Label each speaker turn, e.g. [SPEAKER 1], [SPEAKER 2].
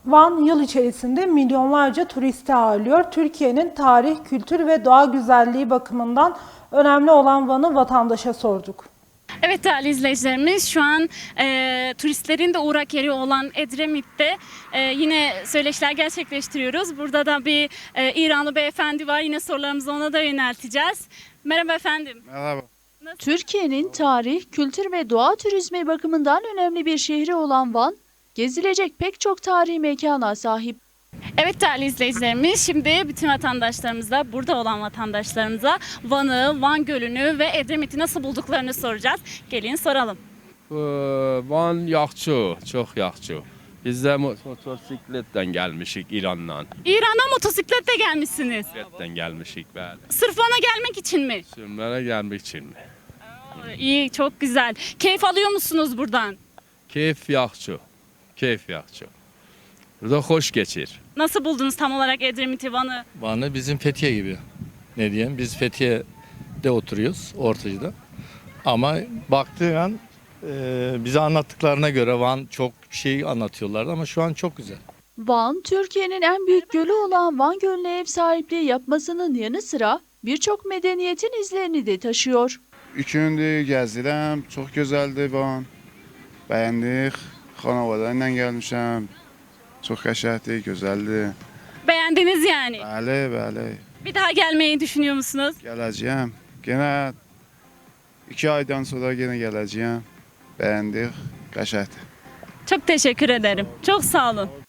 [SPEAKER 1] Van yıl içerisinde milyonlarca turisti ağırlıyor. Türkiye'nin tarih, kültür ve doğa güzelliği bakımından önemli olan Van'ı vatandaşa sorduk.
[SPEAKER 2] Evet değerli izleyicilerimiz, şu an turistlerin de uğrak yeri olan Edremit'te yine söyleşiler gerçekleştiriyoruz. Burada da bir İranlı beyefendi var. Yine sorularımızı ona da yönelteceğiz. Merhaba efendim.
[SPEAKER 3] Merhaba.
[SPEAKER 4] Türkiye'nin tarih, kültür ve doğa turizmi bakımından önemli bir şehri olan Van, gezilecek pek çok tarihi mekana sahip.
[SPEAKER 2] Evet değerli izleyicilerimiz, şimdi bütün vatandaşlarımıza, burada olan vatandaşlarımıza Van'ı, Van Gölü'nü ve Edremit'i nasıl bulduklarını soracağız. Gelin soralım.
[SPEAKER 3] Van yaxşı, çok yaxşı. Biz de motosikletten gelmişik İran'dan.
[SPEAKER 2] İran'dan motosikletle gelmişsiniz.
[SPEAKER 3] Motosikletten gelmişik bəli.
[SPEAKER 2] Sırf Van'a gelmek için mi?
[SPEAKER 3] Sürmene gelmek için mi?
[SPEAKER 2] İyi, çok güzel. Keyif alıyor musunuz buradan?
[SPEAKER 3] Keyif yaxşı, keyif yaxşı. Burada hoş geçir.
[SPEAKER 2] Nasıl buldunuz tam olarak Edremit'i, Van'ı?
[SPEAKER 5] Van'ı bizim Fethiye gibi. Ne diyeyim? Biz Fethiye'de oturuyoruz, Ortacı'da. Ama baktığın an bize anlattıklarına göre Van çok şey anlatıyorlardı ama şu an çok güzel.
[SPEAKER 4] Van, Türkiye'nin en büyük gölü olan Van Gölü'ne ev sahipliği yapmasının yanı sıra birçok medeniyetin izlerini de taşıyor.
[SPEAKER 6] 3 gündür gəzdirəm, çox gözəldir Van. Bəyəndik, xanavada ilə gəlmişəm. Çox qəşəngdir, gözəldir.
[SPEAKER 2] Beğendiniz yani.
[SPEAKER 6] Bəli, bəli.
[SPEAKER 2] Bir daha gelmeyi düşünüyor musunuz?
[SPEAKER 6] Gələcəyəm. Yenə 2 aydan sonra yenə gələcəyəm. Bəyəndik, qəşəngdir.
[SPEAKER 2] Çok teşekkür ederim. Çok sağ olun.